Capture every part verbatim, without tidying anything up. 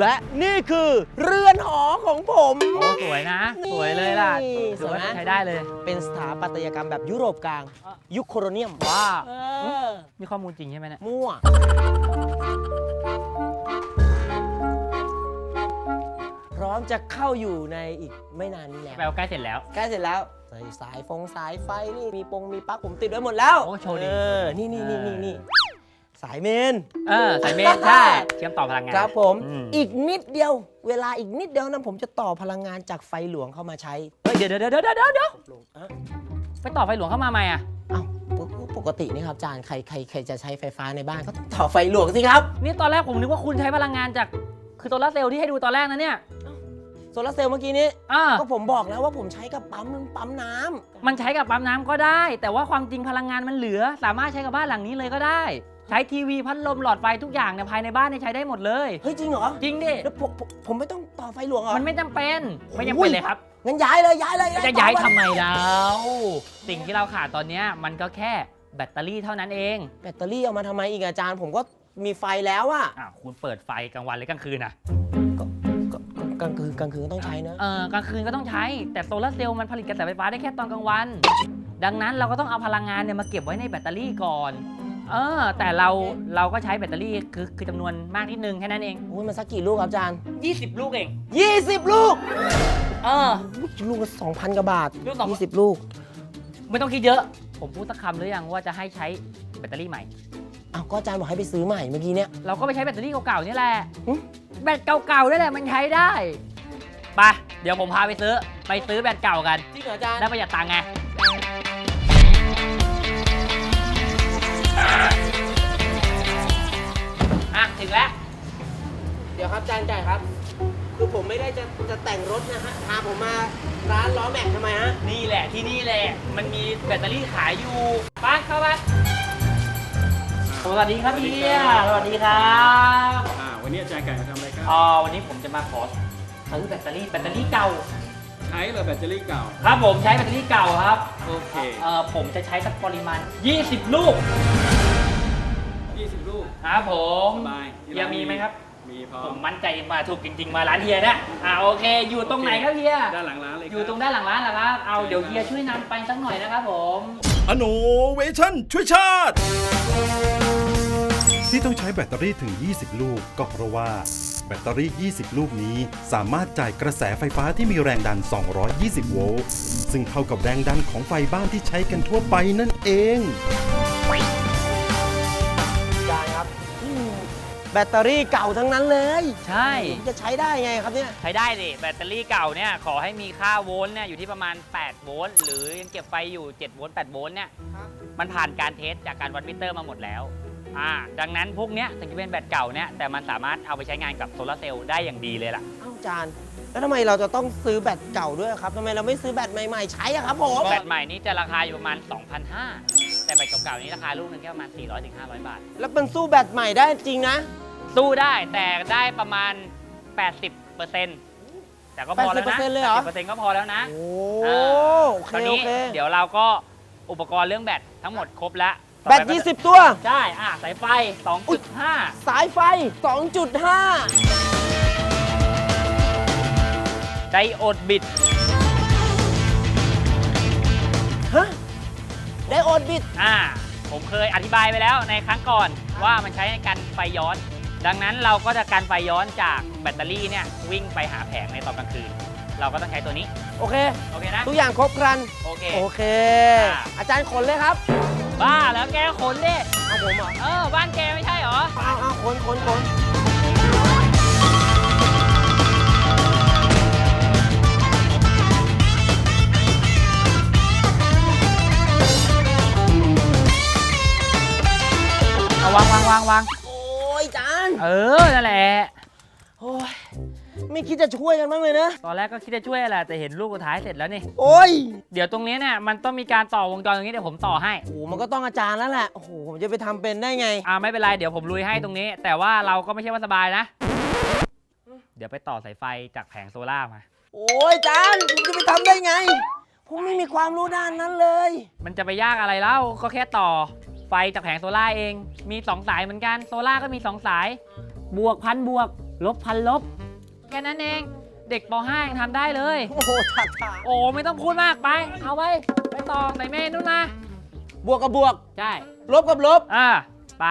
และนี่คือเรือนหอของผมโอ้สวยนะสวยเลยล่ะนี่ถือว่าสวยนะใช้ได้เลยเป็นสถาปัตยกรรมแบบยุโรปกลางอ่ะยุคโคโลเนียมว้าเออมีข้อมูลจริงใช่ไหมเนี่ยมั่ว พร้อมจะเข้าอยู่ในอีกไม่นานนี้แล้วแปลว่าใกล้เสร็จแล้วใกล้เสร็จแล้วใส่สายฟงสายไฟนี่มีปงมีปลั๊กผมติดไว้หมดแล้วโอ้โชว์ดีเออนี่นี่นี่นี่นี่สายเมนเออสายเมนใช่เชื่อมต่อพลังงานครับผมอืมอีกนิดเดียว เวลาอีกนิดเดียวนั้นผมจะต่อพลังงานจากไฟหลวงเข้ามาใช้เฮ้ยเดี๋ยวเดี๋ยวเดี๋ยวเดี๋ยวเดี๋ยวอ่ะไปต่อไฟหลวงเข้ามาใหม่อ่ะเอ้าปกปกตินี่ครับอาจารย์ใครใครใครจะใช้ไฟฟ้าในบ้านก็ต้องต่อไฟหลวงสิครับนี่ตอนแรกผมนึกว่าคุณใช้พลังงานจากคือโซลาร์เซลล์ที่ให้ดูตอนแรกนะเนี่ยโซลาร์เซลล์เมื่อกี้นี้อ่าก็ผมบอกแล้วว่าผมใช้กับปั๊มปั๊มน้ำมันใช้กับปั๊มน้ำก็ได้ แต่ว่าความจริงพลังงานมันเหลือ สามารถใช้กับบ้านหลังนี้เลยก็ได้ ใช้ทีวีพัดลมหลอดไฟทุกอย่างเนี่ยภายในบ้านเนี่ยใช้ได้หมดเลยเฮ้ยจริงเหรอจริงดิแล้วผมผมผมไม่ต้องต่อไฟหลวงเหรอมันไม่จำเป็นไม่จำเป็นเลยครับงั้นย้ายเลยย้ายเลยจะย้ายทำไมแล้วสิ่งที่เราขาดตอนเนี้ยมันก็แค่แบตเตอรี่เท่านั้นเองแบตเตอรี่เอามาทำไมอีกอาจารย์ผมก็มีไฟแล้วอะอ่ะคุณเปิดไฟกลางวันหรือกลางคืนอ่ะก็ก็ก็กลางคืนกลางคืนก็ต้องใช้นะเออกลางคืนก็ต้องใช้ แต่โซลาร์เซลล์มันผลิตกระแสไฟฟ้าได้แค่ตอนกลางวัน ดังนั้นเราก็ต้องเอาพลังงานเนี่ยมาเก็บไว้ในแบตเตอรี่ก่อนเออแต่เราเราก็ใช้แบตเตอรี่คือคือจำนวนมากนิดนึงแค่นั้นเองโอ้ยมันสักกี่ลูกครับอาจารย์ยี่สิบลูกเองยี่สิบลูกเอออุ๊ยลูกละสองพันกว่าบาทลูกสองยี่สิบลูกไม่ต้องคิดเยอะ ผมพูดสักคำหรือยังว่าจะให้ใช้แบตเตอรี่ใหม่อ้าวก็อาจารย์บอกให้ไปซื้อใหม่เมื่อกี้เนี่ยเราก็ไปใช้แบตเตอรี่เก่าๆนี่แหละหึแบตเก่าๆนี่แหละมันใช้ได้ไปเดี๋ยวผมพาไปซื้อไปซื้อแบตเก่ากันจริงเหรออาจารย์ได้ประหยัดตังค์ไงอ่ะถึงแล้วเดี๋ยวครับอาจารย์จ่ายครับ คือผมไม่ได้จะจะแต่งรถนะฮะพาผมมาร้านล้อแม็กทำไมฮะนี่แหละที่นี่แหละมันมีแบตเตอรี่ขายอยู่ไปเข้าไปสวัสดีครับพี่สวัสดีครับอ่าวันนี้อาจารย์ไก่มาทำอะไรครับอ๋อวันนี้ผมจะมาขอซื้อแบตเตอรี่แบตเตอรี่เก่าใช้เหรอแบตเตอรี่เก่าครับผมใช้แบตเตอรี่เก่าครับโอเคเอ่อผมจะใช้สักปริมาณยี่สิบลูกยี่สิบลูกครับผมสบายที่เฮียร้านมีไหมครับมีพร้อผม มมั่นใจมาถูกจริง ๆ มาร้านเฮียนะอ่าโอเค อยู่ตรงไหนครับเฮียด้านหลังร้านเลยคบอยู่ตรงด้านหลังร้านเหรอครับเอาเดี๋ยวเฮียช่วยนำไปสักหน่อยนะครับผมอโนเวชั่นช่วยชาติ ที่ต้องใช้แบตเตอรี่ถึง ยี่สิบ ลูก ก็เพราะว่า แบตเตอรี่ ยี่สิบ ลูกนี้สามารถจ่ายกระแสไฟฟ้าที่มีแรงดัน สองร้อยยี่สิบ โวลต์ ซึ่งเท่ากับแรงดันของไฟบ้านที่ใช้กันทั่วไปนั่นเองอาจารย์ครับอืมแบตเตอรี่เก่าทั้งนั้นเลยใช่ผมจะใช้ได้ไงครับเนี่ยใช้ได้ดิแบตเตอรี่เก่าเนี่ยขอให้มีค่าโวลต์เนี่ยอยู่ที่ประมาณแปดโวลต์หรือยังเก็บไฟอยู่เจ็ดโวลต์แปดโวลต์เนี่ยมันผ่านการเทสจากการวัดมิเตอร์มาหมดแล้วอ่าดังนั้นพวกเนี้ยถึงจะเป็นแบตเก่าเนี่ยแต่มันสามารถเอาไปใช้งานกับโซลาร์เซลล์ได้อย่างดีเลยล่ะเอ้าอาจารย์ แล้วทำไมเราจะต้องซื้อแบตเก่าด้วยครับทำไมเราไม่ซื้อแบตใหม่ๆใช้อะครับผมแบตใหม่นี้จะราคาอยู่ประมาณ สองพันห้าร้อย แต่แบตเก่าๆนี้ราคาลูกนึงแค่ประมาณ สี่ร้อยถึงห้าร้อย บาทแล้วมันสู้แบตใหม่ได้จริงนะสู้ได้แต่ได้ประมาณ แปดสิบเปอร์เซ็นต์ แต่ก็พอแล้วนะแปดสิบเปอร์เซ็นต์เลยเหรอแปดสิบเปอร์เซ็นต์ก็พอแล้วนะโอ้อ่าโอเคตอนโอนี้เคเดี๋ยวเราก็อุปกรณ์เรื่องแบตทั้งหมดครบแล้วแบตยี่สิบ ตัวใช่อ่ะสายไฟ สองจุดห้าสายไฟ สองจุดห้าไดโอดบิดฮะ ได้โอดบิดอ่า ผมเคยอธิบายไปแล้วในครั้งก่อนว่ามันใช้ในการไฟย้อน ดังนั้นเราก็จะการไฟย้อนจากแบตเตอรี่เนี่ยวิ่งไปหาแผงในตอนกลางคืน เราก็ต้องใช้ตัวนี้โอเคโอเคนะทุกอย่างครบครันโอเคโอเคอ่าอาจารย์ขนเลยครับบ้าแล้วแกขนดิเอาผมเหรอเออ บ้านแกไม่ใช่เหรอเอาเอาขนขนขนเอาวางวางวางวางโอ้ยอาจารย์เออ นั่นแหละโอ้ย ไม่คิดจะช่วยกันบ้างเลยนะตอนแรกก็คิดจะช่วยแหละแต่เห็นลูกสุดท้ายเสร็จแล้วนี่โอ้ยเดี๋ยวตรงนี้เนี่ยมันต้องมีการต่อวงจรตรงนี้เดี๋ยวผมต่อให้โอ้โหมันก็ต้องอาจารย์แล้วแหละ โอ้โห ผมจะไปทำเป็นได้ไงอ่าไม่เป็นไรเดี๋ยวผมลุยให้ตรงนี้ แต่ว่าเราก็ไม่ใช่ว่าสบายนะ เดี๋ยวไปต่อสายไฟจากแผงโซล่าร์มาโอ้ยอาจารย์ผมจะไปทำได้ไง ผมไม่มีความรู้ด้านนั้นเลยมันจะไปยากอะไรเล่าก็แค่ต่อไฟจากแผงโซล่าร์เอง มีสองสายเหมือนกันโซล่าร์ก็มีสองสาย บวกพันบวกลบพันลบแค่นั้นเองเด็กป .ห้า ยังทำได้เลยโอ้โหถักถาโอ้ไม่ต้องพูดมากไป เอาไปไปต่อใส่เมนูนมาบวกกับบวกใช่ลบกับลบอ่าไป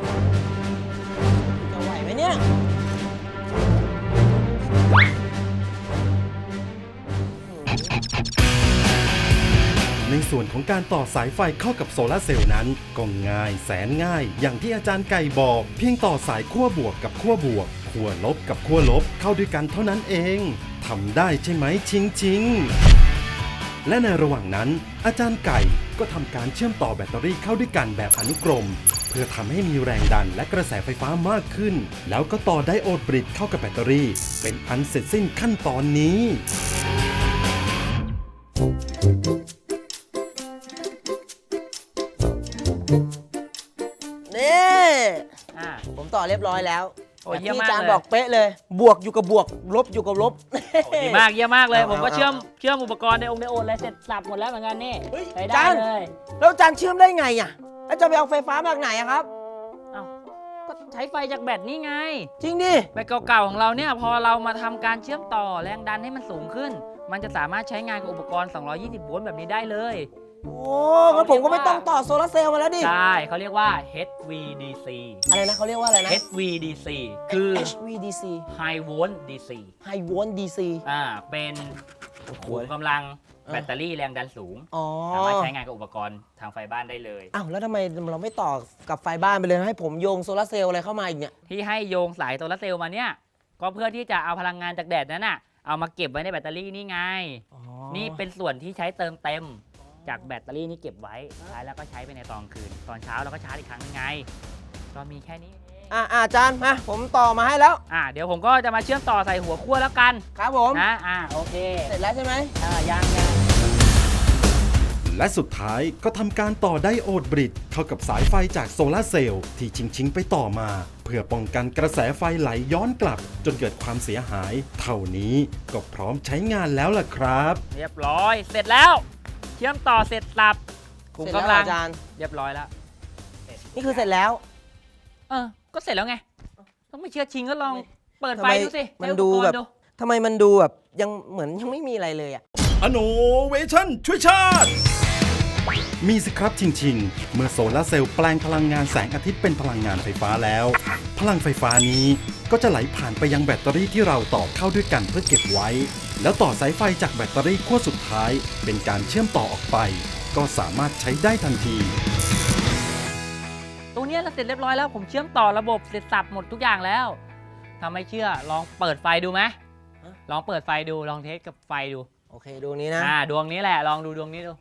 จะไหวไหมเนี่ยในส่วนของการต่อสายไฟเข้ากับโซลาร์เซลล์นั้นก็ง่ายแสนง่าย อย่างที่อาจารย์ไก่บอก เพียงต่อสายขั้วบวกกับขั้วบวกขั้วลบกับขั้วลบเข้าด้วยกันเท่านั้นเองทำได้ใช่ไหมชิงชิงและในระหว่างนั้น อาจารย์ไก่ก็ทำการเชื่อมต่อแบตเตอรี่เข้าด้วยกันแบบอนุกรม เพื่อทำให้มีแรงดันและกระแสไฟฟ้ามากขึ้น แล้วก็ต่อไดโอดบริดเข้ากับแบตเตอรี่ เป็นอันเสร็จสิ้นขั้นตอนนี้นี่อ่าผมต่อเรียบร้อยแล้วโอ้แบบเยี่ยมที่มากอาจารย์เลยบอกเป๊ะเลย บวกอยู่กับบวก ลบอยู่กับลบโอ้ดีมากเยี่ยมมากเลยเอาผมก็เอาเชื่อมเอาเชื่อมอุปกรณ์ในองค์ในโอนอะไรเสร็จสับหมดแล้วเหมือนกันนี่เฮ้ยใช้อาได้จารย์เลยแล้วอาจารย์เชื่อมได้ไงอ่ะแล้วจะไปเอาไฟฟ้ามาจากไหนอะครับเอ้าก็ใช้ไฟจากแบตนี่ไงจริงดิแบตเก่าๆของเราเนี่ยพอเรามาทำการเชื่อมต่อแรงดันให้มันสูงขึ้น มันจะสามารถใช้งานกับอุปกรณ์ สองร้อยยี่สิบ โวลต์แบบนี้ได้เลยโอ้งั้นผมก็ไม่ต้องต่อโซลาร์เซลล์มาแล้วดิใช่เขาเรียกว่า เอช วี ดี ซีอะไรนะเขาเรียกว่าอะไรนะเอช วี ดี ซี คือเอช วี ดี ซี High Volt ดี ซี High Volt ดี ซีอ่าเป็นขุมกำลังแบตเตอรี่แรงดันสูงอ๋อสามารถใช้งานกับอุปกรณ์ทางไฟบ้านได้เลยอ้าวแล้วทำไมเราไม่ต่อกับไฟบ้านไปเลยให้ผมโยงโซลาร์เซลล์อะไรเข้ามาอีกเนี่ยที่ให้โยงสายโซลาร์เซลล์มาเนี่ย ก็เพื่อที่จะเอาพลังงานจากแดดนั้นน่ะเอามาเก็บไว้ในแบตเตอรี่นี่ไงอ๋อนี่เป็นส่วนที่ใช้เติมเต็มจากแบตเตอรี่นี่เก็บไว้ใช้แล้วก็ใช้ไปในตอนคืน ตอนเช้าเราก็ชาร์จอีกครั้งนึงไง ก็มีแค่นี้เองอ่ะอ่ะอาจารย์มาผมต่อมาให้แล้วอ่าเดี๋ยวผมก็จะมาเชื่อมต่อใส่หัวขั้วแล้วกันครับผมนะอ่าโอเคเสร็จแล้วใช่ไหมอ่ายังยังและสุดท้ายก็ทำการต่อไดโอดบริดเข้ากับสายไฟจากโซลาร์เซลล์ที่ชิงชิงๆไปต่อมา เพื่อป้องกันกระแสไฟไหลย้อนกลับ จนเกิดความเสียหาย เท่านี้ก็พร้อมใช้งานแล้วล่ะครับเรียบร้อยเสร็จแล้ว เชื่อมต่อเสร็จสับขุมเสร็จแล้วกำลังอาจารย์เรียบร้อยแล้วนี่คือเสร็จแล้วเออก็เสร็จแล้วไงต้องไม่เชื่อชิงก็ลองเปิดไฟทำไมดูสิมันใช้อุปดูกรณ์แบบดูทำไมมันดูแบบยังเหมือนยังไม่มีอะไรเลยอ่ะอโนเวชั่นช่วยชาติ มีสิครับชิงชิงเมื่อโซลาร์เซลล์แปลงพลังงานแสงอาทิตย์เป็นพลังงานไฟฟ้าแล้ว พลังไฟฟ้านี้ก็จะไหลผ่านไปยังแบตเตอรี่ที่เราต่อเข้าด้วยกันเพื่อเก็บไว้ แล้วต่อสายไฟจากแบตเตอรี่ขั้วสุดท้าย เป็นการเชื่อมต่อออกไป ก็สามารถใช้ได้ทันทีตรงเนี้ยเราเสร็จเรียบร้อยแล้วผมเชื่อมต่อระบบเสร็จสับหมดทุกอย่างแล้วถ้าไม่เชื่อลองเปิดไฟดูไหมฮะลองเปิดไฟดูลองเทสกับไฟดูโอเคดูนี้นะอ่าดวงนี้แหละลองดูดวงนี้ดู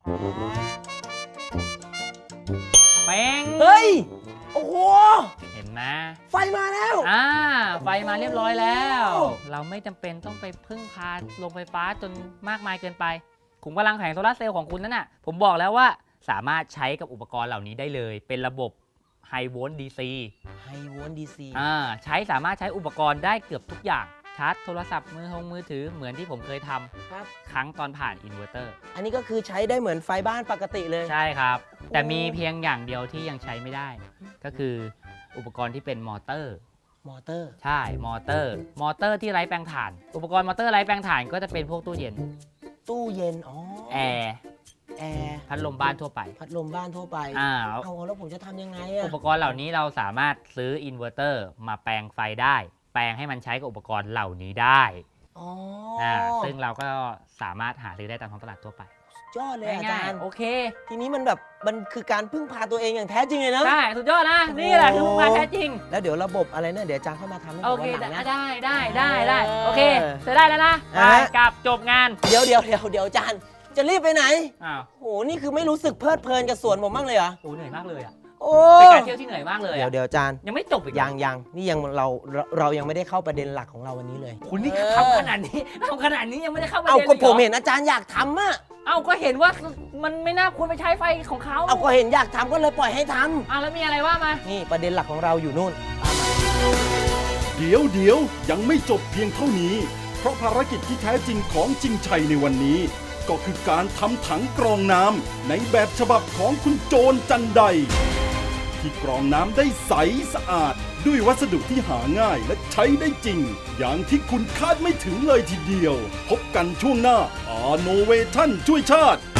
เป้งเฮ้ย โอ้โหเห็นไหมไฟมาแล้วอ่าไฟมาเรียบร้อยแล้วโอ้เราไม่จำเป็นต้องไปพึ่งพาโรงไฟฟ้าจนมากมายเกินไปขุมกำลังแผงโซลาร์เซลล์ของคุณนั่นน่ะผมบอกแล้วว่าสามารถใช้กับอุปกรณ์เหล่านี้ได้เลย เป็นระบบ High Volt ดี ซี High Volt ดี ซีอ่าใช้สามารถใช้อุปกรณ์ได้เกือบทุกอย่างชาร์จโทรศัพท์มือทงมือถือเหมือนที่ผมเคยทำครับครั้งตอนผ่านอินเวอร์เตอร์อันนี้ก็คือใช้ได้เหมือนไฟบ้านปกติเลยใช่ครับ แต่มีเพียงอย่างเดียวที่ยังใช้ไม่ได้ ก็คืออุปกรณ์ที่เป็นมอเตอร์มอเตอร์ใช่มอเตอร์ มอเตอร์ที่ไร้แปลงถ่าน อุปกรณ์มอเตอร์ไร้แปลงถ่านก็จะเป็นพวกตู้เย็นตู้เย็น อ๋อแอร์แอร์พัดลมบ้านทั่วไปพัดลมบ้านทั่วไปอ่าเอาแล้วผมจะทำยังไงอะอุปกรณ์เหล่านี้เราสามารถซื้ออินเวอร์เตอร์มาแปลงไฟได้ แปลงให้มันใช้กับอุปกรณ์เหล่านี้ได้อ๋ออ่าซึ่งเราก็สามารถหาซื้อได้ตามท้องตลาดทั่วไปยอดเลยอาจารย์โอเคทีนี้มันแบบมันคือการพึ่งพาตัวเองอย่างแท้จริงเลยนะได้สุดยอดนะ นี่แหละคือโอ้มาแท้จริงแล้วเดี๋ยวระบบอะไรเนี่ยเดี๋ยวอาจารย์เข้ามาทำให้ผโอมเควันหลังนะได้ได้ได้ได้เออโอเคเสร็จได้แล้วนะไปอ่ะฮะกลับจบงานเดี๋ยวเดี๋ยวเดี๋ยวเดี๋ยวอาจารย์จะรีบไปไหนอ้าวโหนี่คือไม่รู้สึกเพลิดเพลินกับสวนผมบ้างเลยเหรอโอ้เหนื่อยมากเลยอ่ะโอ้เป็นการเที่ยวที่เหนื่อยมากเลยเดี๋ยวอะเดี๋ยวอาจารย์ยังไม่จบอีกยังยังนี่ยังเราเราเรายังไม่ได้เข้าประเด็นหลักของเราวันนี้เลยคุณนี่เออทำขนาดนี้ทำขนาดนี้ยังไม่ได้เข้าประเอาเด็นก็เลยผมเหรอเห็นอาจารย์อยากทำอะเอาก็เห็นว่ามันไม่น่าควรไปใช้ไฟของเขาเอาก็เห็นอยากทำก็เลยปล่อยให้ทำอ่ะแล้วมีอะไรว่ามานี่ประเด็นหลักของเราอยู่นู่นเดี๋ยวเดี๋ยวยังไม่จบเพียงเท่านี้ เพราะภารกิจที่แท้จริงของจริงชัยในวันนี้ ก็คือการทำถังกรองน้ำในแบบฉบับของคุณโจรจันไดที่กรองน้ำได้ใสสะอาด ด้วยวัสดุที่หาง่ายและใช้ได้จริง อย่างที่คุณคาดไม่ถึงเลยทีเดียว พบกันช่วงหน้า อาโนเวชั่นช่วยชาติ